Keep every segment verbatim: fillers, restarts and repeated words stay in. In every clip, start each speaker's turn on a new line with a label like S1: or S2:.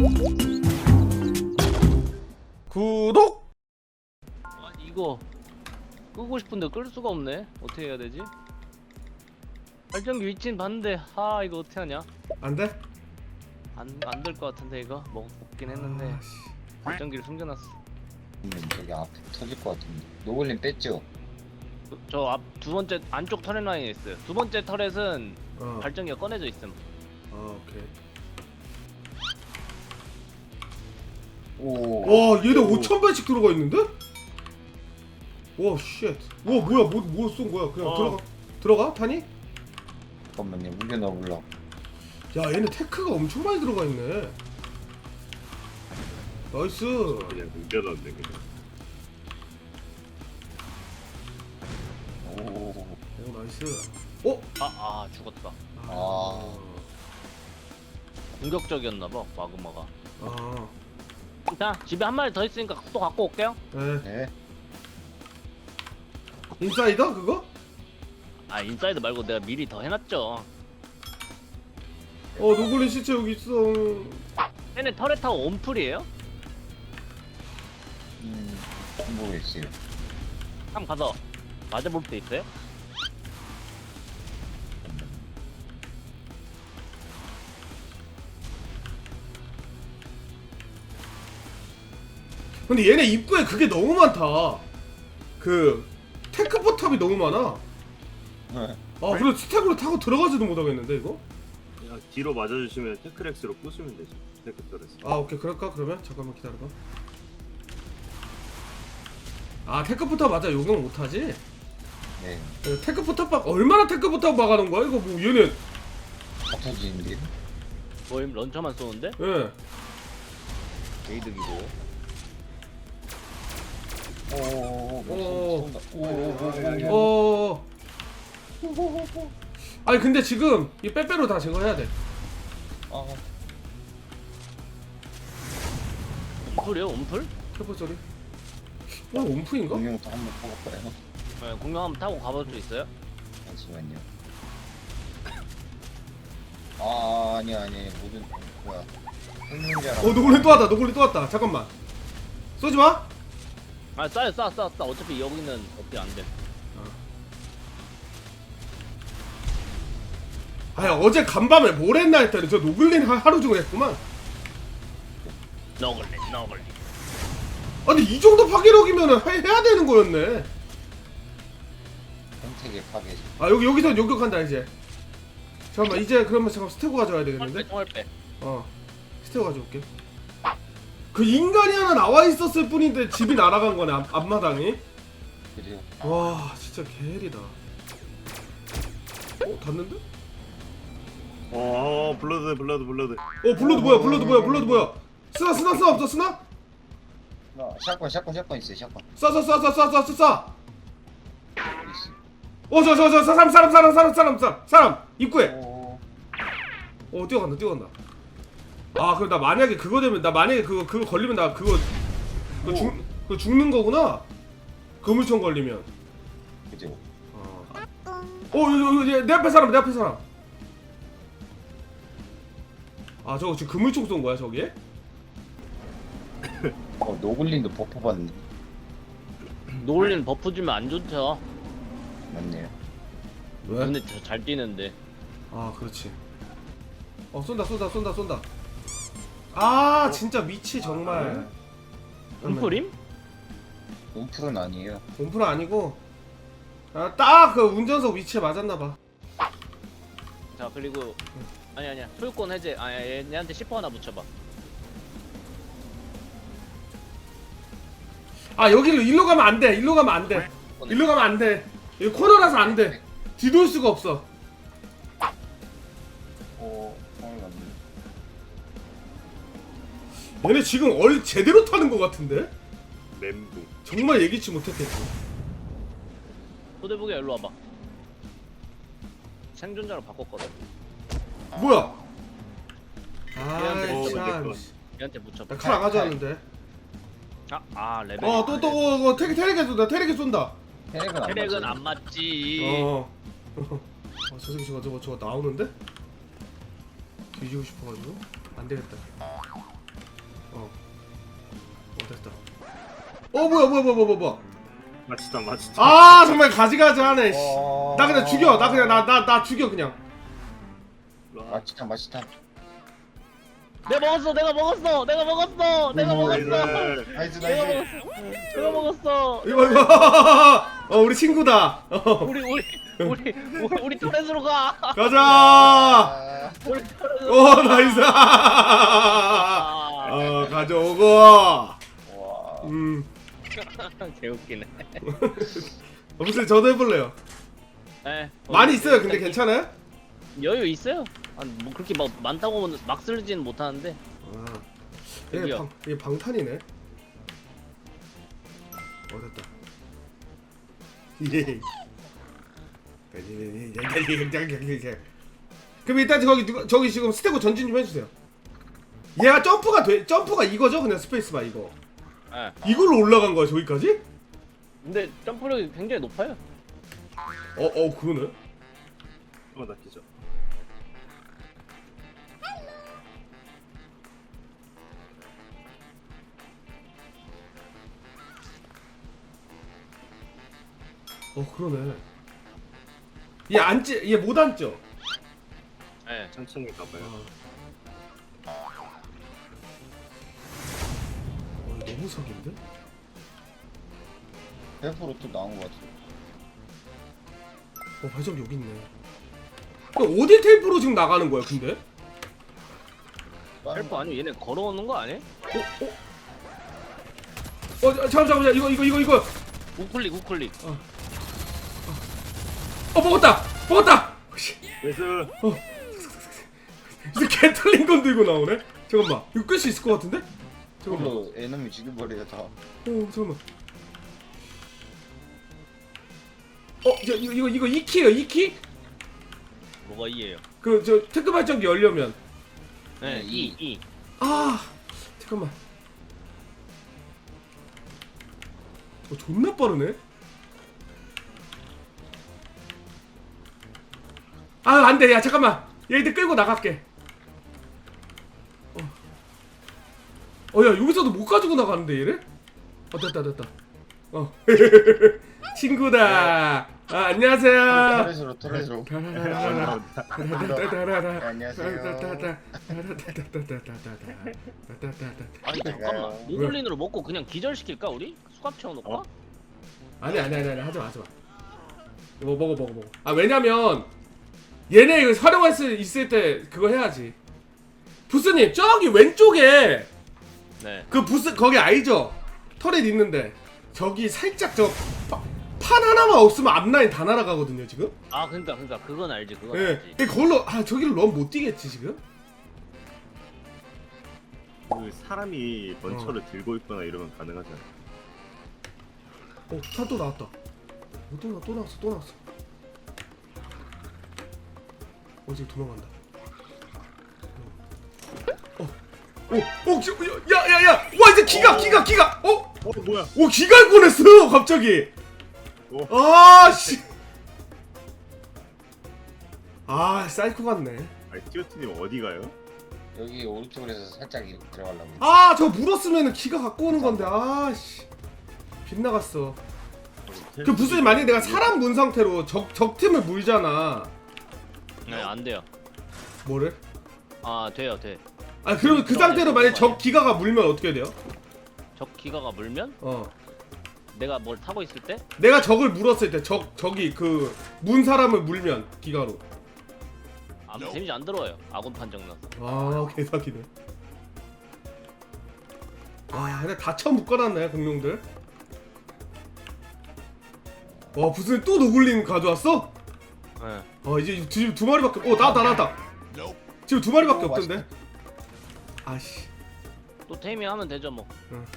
S1: 구독!
S2: 아니 이거 끄고 싶은데 끌 수가 없네. 어떻게 해야 되지? 발전기 위치는 봤는데 아 이거 어떻게 하냐?
S1: 안 돼?
S2: 안 안 될 것 같은데 이거 먹, 먹긴 했는데
S1: 아, 씨.
S2: 발전기를 숨겨놨어.
S3: 저기 앞에 터질 것 같은데. 노블린 뺐죠?
S2: 저 앞 두 번째 안쪽 터렛 라인에 있어요. 두 번째 터렛은
S1: 어.
S2: 발전기가 꺼내져 있음.
S1: 아, 오케이.
S3: 오.
S1: 와, 얘네 오천 발씩 들어가 있는데? 와, 쉣. 와, 뭐야? 뭐, 뭐 쏜 거야? 그냥
S2: 어.
S1: 들어가. 들어가? 타니?
S3: 잠깐만요. 물려 넣어보려고.
S1: 야, 얘네 테크가 엄청 많이 들어가 있네. 나이스.
S4: 그냥 뭉겨놨네 그냥.
S3: 오.
S1: 오, 나이스. 어?
S2: 아 아 죽었다.
S3: 아.
S2: 공격적이었나봐 마그마가.
S1: 아.
S2: 자 집에 한 마리 더 있으니까 또 갖고 올게요.
S1: 네.
S3: 네.
S1: 인사이더 그거?
S2: 아 인사이드 말고 내가 미리 더 해놨죠.
S1: 어, 노블린 시체 여기 있어.
S2: 얘네 터렛 타고 온풀이에요?
S3: 음. 모르겠어요.
S2: 한번 가서 맞아볼 때 있어요?
S1: 근데 얘네 입구에 그게 너무 많다. 그 테크 포탑이 너무 많아.
S3: 네.
S1: 아, 그래 스택으로 타고 들어가지도 못하겠는데 이거?
S4: 그냥 뒤로 맞아주시면 테크렉스로 부수면 되지. 테크터레스.
S1: 아, 오케이. 그럴까 그러면? 잠깐만 기다려봐. 아, 테크 포탑 맞아. 요강 못하지?
S3: 네.
S1: 테크 포탑 박 얼마나 테크 포탑 막아놓은 거야? 이거 뭐 얘네.
S3: 다 터지는데?
S2: 뭐임 런처만 쏘는데?
S1: 예.
S2: 게이득이고.
S3: 오오오오.
S1: 오.
S3: 쏜다. 오오오오.
S1: 어. 아니 근데 지금 이 빼빼로 다 제거해야 돼.
S3: 아.
S2: 온풀이요? 온풀?
S1: 테크 소리. 어, 온프인가?
S3: 공룡도 한번 뽑아볼까요?
S2: 네, 공룡 한번 타고 가볼 수 있어요?
S3: 잠시만요. 아 아니 아니 모든 뭐야? 생명자라.
S1: 어, 노골린 또 왔다. 노골린 또 왔다. 잠깐만. 쏘지 마.
S2: 아 쏴요 쏴 쏴 쏴 어차피 여기는 어떻게 안돼.
S1: 아니 어제 간밤에 뭘 했나 했더니 저 노글린 하, 하루 종일 했구만.
S2: 너글리 너글리.
S1: 아니 이 정도 파괴력이면은 해, 해야 되는 거였네.
S3: 생태계 파괴.
S1: 아, 여기 여기서 요격한다 이제. 잠깐만 이제 그러면 잠깐 스테고 가져와야 되겠는데?
S2: 총알 빼 총알 빼.
S1: 어, 스테고 가져올게. 그 인간이 하나 나와 있었을 뿐인데 집이 날아간 거네. 앞, 앞마당이.
S3: 그래요.
S1: 와, 진짜 개헬이다. 어, 닿는데?
S4: 어 블러드 블러드 블러드.
S1: 어, 블러드 뭐야? 블러드 뭐야? 블러드 뭐야? 스나 스나 스나 없어? 스나?
S3: 나 샷건 샷건 샷건 있어요. 샷건.
S1: 쏴쏴쏴쏴쏴쏴 쏴.
S3: 어디 있어?
S1: 어, 저 저 저 사람 사람 사람 사람 사람 사람 사람 입구에.
S3: 오.
S1: 어, 뛰어간다 뛰어간다. 아, 그럼 나 만약에 그거 되면 나 만약에 그거 그거 걸리면 나 그거 그거 죽 그거 죽는 거구나. 거물총 걸리면.
S3: 그죠.
S1: 어. 어, 여기 여기 내 앞에 사람 내 앞에 사람. 아, 저거 지금 그물총 쏜 거야 저기에?
S3: 어 노블린도 버프 받네.
S2: 노을린 버프 주면 안 좋죠.
S3: 맞네요.
S1: 왜?
S2: 근데 저 잘 뛰는데.
S1: 아, 그렇지. 어, 쏜다 쏜다 쏜다 쏜다. 아, 진짜 미치 정말.
S2: 온풀임?
S3: 온풀은 아니에요.
S1: 본프는 아니고 아, 딱 그 운전석 위치에 맞았나 봐.
S2: 자 그리고 아니 아니야 소유권 해제. 아니 얘, 얘한테 시퍼 하나 붙여봐.
S1: 아, 여기로 일로 가면 안 돼. 일로 가면 안 돼. 일로 가면 안 돼. 여기 코너라서 안 돼. 뒤돌 수가 없어.
S3: 오. 성을 맞네.
S1: 얘네 지금 얼 제대로 타는 것 같은데?
S4: 멘붕.
S1: 정말 예기치 못했겠지.
S2: 소대북이 일로 와봐. 생존자로 바꿨거든.
S1: 뭐야?
S2: 얘한테
S1: 아이
S4: 붙여봐,
S1: 참.
S4: 내
S2: 얘한테 붙여봐.
S1: 나칼 안 가져왔는데.
S2: 아, 아 레벨.
S1: 어, 또 또 어, 어, 테레 테레게 쏜다. 테레게 쏜다.
S3: 혈액은 안
S2: 혈액은
S3: 맞아요.
S2: 안 맞지.
S1: 어. 어, 저 새끼 저거 저거 저거 나오는데? 뒤지고 싶어가지고 안 되겠다. 어 뭐야 뭐야 뭐야 뭐야 뭐야.
S4: 마치다 마치다.
S1: 아 정말 가지가지 하네. 씨.
S3: 와.
S1: 나 그냥 죽여. 나 그냥 나 나 나 죽여 그냥.
S3: 맛있다 맛있다.
S2: 내가 먹었어 내가 먹었어 내가 먹었어 내가
S3: 오,
S2: 먹었어
S4: 네.
S3: 나이스
S2: 내가
S3: 나이스.
S2: 먹었어 내가 먹었어
S1: 이거 이거. 어 우리 친구다. 어.
S2: 우리 우리 우리 우리 우리 토렛으로 가
S1: 가자.
S3: 아,
S2: 우리 토렛으로
S1: 오 나이스.
S2: 아
S1: 어 가져오고.
S3: 와.
S1: 음.
S2: 개웃기네
S1: 어, 무슨 저도 해볼래요.
S2: 네,
S1: 많이 있어요. 근데 괜찮아요?
S2: 여유 있어요 아니 뭐 그렇게 막 많다고 막 쓰지는 못하는데
S1: 아, 이게
S2: 여기요.
S1: 방 이게 방탄이네. 어 됐다. 예. 그럼 일단 저기 누가 저기 지금 스테고 전진 좀 해주세요. 얘가 점프가 돼 점프가 이거죠? 그냥 스페이스바 이거.
S2: 네.
S1: 이걸로 올라간 거야 저기까지?
S2: 근데 점프력이 굉장히 높아요
S1: 어 어 그거네.
S4: 어, 나 기절.
S1: 어 그러네. 얘 앉지 얘 못 앉죠?
S2: 네.
S4: 천천히 가봐요.
S1: 어, 너무 석인데?
S3: 백 퍼센트 또 나온 것 같아.
S1: 어 발전기 여기 있네. 그럼 어디 텔프로 지금 나가는 거야 근데?
S2: 헬프 아니면 얘네 걸어오는 거 아니야?
S1: 어? 어? 어 잠깐 잠깐 이거 이거 이거 이거
S2: 우클릭 우클릭
S1: 어 먹었다 먹었다. 씨,
S4: 그래서
S1: 이제 개 털린 건 들고 나오네. 잠깐만 이거 끌 수 있을 것 같은데? 잠깐만. 어
S3: 그걸로 에너미 죽여버려야 다.
S1: 잠깐만. 어 저, 이거 이거 이거 이 키예요 이 키?
S2: 뭐가 이에요?
S1: 그 저 테크 발전기 열려면.
S2: 네,
S3: 네,
S2: 이, 이.
S1: 아 잠깐만. 어 존나 빠르네. 아 안돼 야 잠깐만 얘들 끌고 나갈게. 어 야 여기서도 못 가지고 나가는데 얘를? 어 됐다 됐다. 어 친구다. 아 안녕하세요.
S3: 터렛으로 터렛으로.
S2: 아니 잠깐만 모글린으로 먹고 그냥 기절시킬까 우리? 수갑 채워놓을까?
S4: 어?
S1: 아니 아니 아니 아니 하지 마 하지 마. 이거 먹어 먹어 먹어. 아 왜냐면 얘네 이거 활용할 수 있을 때 그거 해야지. 부스님 저기 왼쪽에
S2: 네.
S1: 그 부스 거기 알죠? 터렛 있는데 저기 살짝 저 판 하나만 없으면 앞라인 다 날아가거든요 지금.
S2: 아 그러니까 그러니까 그건 알지 그건
S1: 예.
S2: 알지.
S1: 네. 그걸로 아 저기를 너무 못 뛰겠지 지금.
S4: 그 사람이 먼처를 들고 있거나 이러면 가능하잖아.
S1: 어, 차 또 나왔다. 어, 또, 나, 또 나왔어, 또 나왔어. 어, 지금 도망간다. 어, 어, 어, 지- 야, 야, 야, 와, 이제 기가, 기가, 기가, 어?
S4: 어 뭐야?
S1: 오, 기가 꺼냈어, 갑자기.
S4: 오.
S1: 아, 씨. 아, 사이코 같네.
S4: 아니 티오티님 어디 가요?
S3: 여기 오른쪽으로 해서 살짝 이렇게 들어가려고.
S1: 아, 저 물었으면 기가 갖고 오는 건데, 아, 씨. 빗나갔어. 그 무슨 만약에 내가 사람 문 상태로 적, 적 팀을 물잖아.
S2: 네, 안 돼요.
S1: 뭐를?
S2: 아 돼요 돼.
S1: 아 그러면 그 상태로 만약에 적 기가가 물면 어떻게 돼요?
S2: 적 기가가 물면
S1: 어
S2: 내가 뭘 타고 있을 때
S1: 내가 적을 물었을 때 적 적이 그 문 사람을 물면 기가로.
S2: 아무 데미지 안 들어와요. 아군 판정 나서.
S1: 아 개사기네. 와 근데 다쳐 묶어놨네 공룡들. 와 무슨 또 노글린 가져왔어?
S2: 네.
S1: 어 이제 지금 두 마리밖에. 어 나왔다 나왔다. 지금 두 마리밖에
S3: 오,
S1: 없던데. 아씨.
S2: 또 테이밍하면 되죠 뭐.
S1: 응.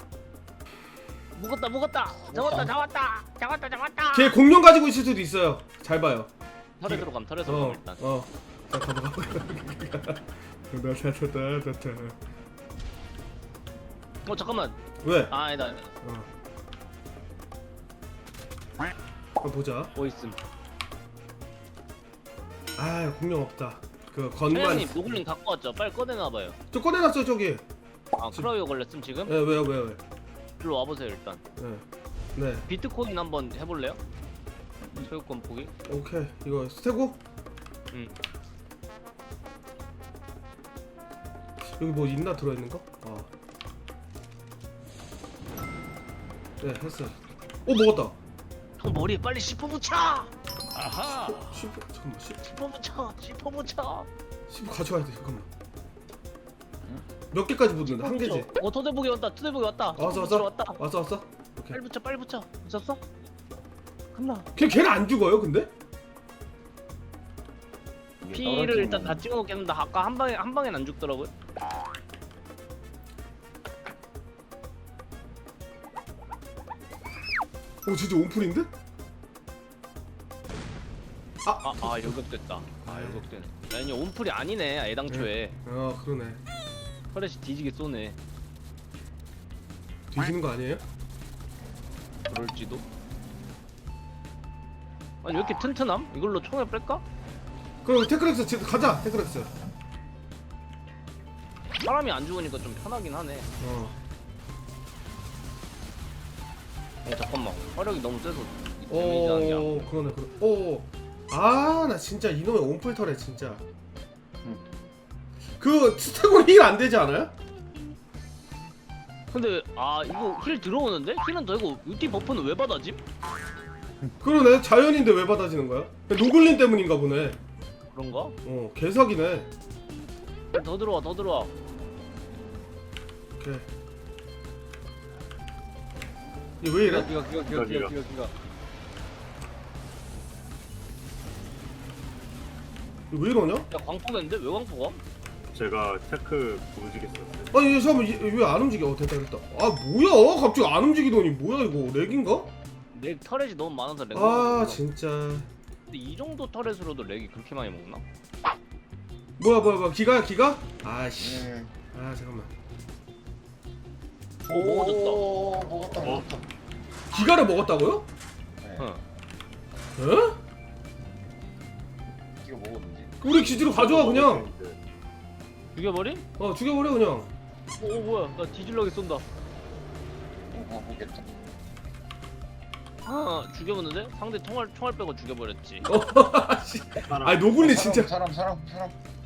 S2: 묵었다 묵었다. 잡았다 잡았다 잡았다 잡았다.
S1: 걔 공룡 가지고 있을 수도 있어요. 잘 봐요.
S2: 털에 들어감 털에 들어감
S1: 어
S2: 일단.
S1: 어. 자 가봐 가봐. 나타타타타타.
S2: 어 잠깐만.
S1: 왜?
S2: 아 아니다.
S1: 어. 한번 보자.
S2: 뭐 있음.
S1: 아 공룡 없다. 그 건반.
S2: 사장님 노글린 갖고 왔죠. 빨리 꺼내놔봐요.
S1: 저 꺼내놨어 저기.
S2: 아 크라이오 걸렸음 지금?
S1: 예 왜요 왜요 왜?
S2: 일로 와보세요 일단.
S1: 네. 네.
S2: 비트코인 한번 해볼래요? 소유권 보기.
S1: 오케이. 이거 스테고?
S2: 응.
S1: 여기 뭐 있나 들어있는 거? 아. 네, 했어요. 오, 먹었다.
S2: 형 머리에 빨리 씹어 붙여.
S1: 아하. 십, 잠깐만. 십,
S2: 씹어 붙여. 씹어 붙여.
S1: 십 가져와야 돼. 잠깐만. 몇 개까지 붙는다? 한 개지?
S2: 어 토대복이 왔다. 토대복이 왔다.
S1: 아, 왔어,
S2: 토대복이
S1: 왔어?
S2: 왔다.
S1: 왔어, 왔어? 오케이.
S2: 빨리 붙여. 빨리 붙여. 붙였어? 끝나.
S1: 걔, 걔는 안 죽어요, 근데?
S3: 이게
S2: 피를
S3: 떨어지면
S2: 일단 다 찍어놓겠는데 아까 한 방에 한 방엔 안 죽더라고요.
S1: 오, 진짜 온풀인데?
S2: 아, 아 요격됐다. 아 요격되네. 아니 온풀이 아니네. 애당초에
S1: 아, 그러네.
S2: 터렛이 뒤지게 쏘네.
S1: 뒤지는 거 아니에요?
S2: 그럴지도. 아니 왜 이렇게 튼튼함? 이걸로 총을 뺄까?
S1: 그럼 테크렉스 지- 가자, 테크렉스.
S2: 사람이 안 죽으니까 좀 편하긴 하네.
S1: 어.
S2: 어 잠깐만. 화력이 너무 세서 데미지하는 게 안.
S1: 오, 그러네, 그러. 오, 아, 나 진짜 이놈의 온풀 털에 진짜.
S3: 응.
S1: 그 스테곤 힐 안 되지 않아요?
S2: 근데 아 이거 힐 들어오는데? 힐은 되고 유티 버프는 왜 받아짐?
S1: 그러네, 자연인데 왜 받아지는 거야? 노글린 때문인가 보네.
S2: 그런가?
S1: 어, 개사기네.
S2: 더 들어와 더 들어와.
S1: 오케이. 얘 왜 이래?
S2: 기가 기가
S4: 기가, 기가.
S2: 기가.
S1: 얘왜 이러냐?
S2: 야 광포인데 왜 광포가?
S4: 제가 테크 움직였어요.
S1: 아니 얘 잠깐만 왜 안 움직여? 어, 됐다 됐다. 아 뭐야? 갑자기 안 움직이더니 뭐야 이거 렉인가?
S2: 렉 터렛이 너무 많아서 렉.
S1: 아
S2: 먹었구나.
S1: 진짜.
S2: 근데 이 정도 터렛으로도 렉이 그렇게 많이 먹나?
S1: 뭐야 뭐야 뭐야 기가야 기가? 아씨.
S3: 음.
S1: 아 잠깐만.
S2: 오 먹어졌다.
S3: 오, 먹었다 먹었다.
S1: 기가를 먹었다고요?
S3: 네.
S2: 응.
S1: 에?
S3: 이거 먹었는지.
S1: 우리 기지로 가져와 그냥.
S2: 죽여버림?
S1: 어 죽여버려 그냥.
S2: 오, 오 뭐야 나 뒤질러게 쏜다.
S3: 어, 먹겠다.
S2: 아 죽여버렸는데? 상대 총알 총알 빼고 죽여버렸지.
S1: 어 씨. 아니 노굴리 진짜.
S3: 사람 사람 사람 사람.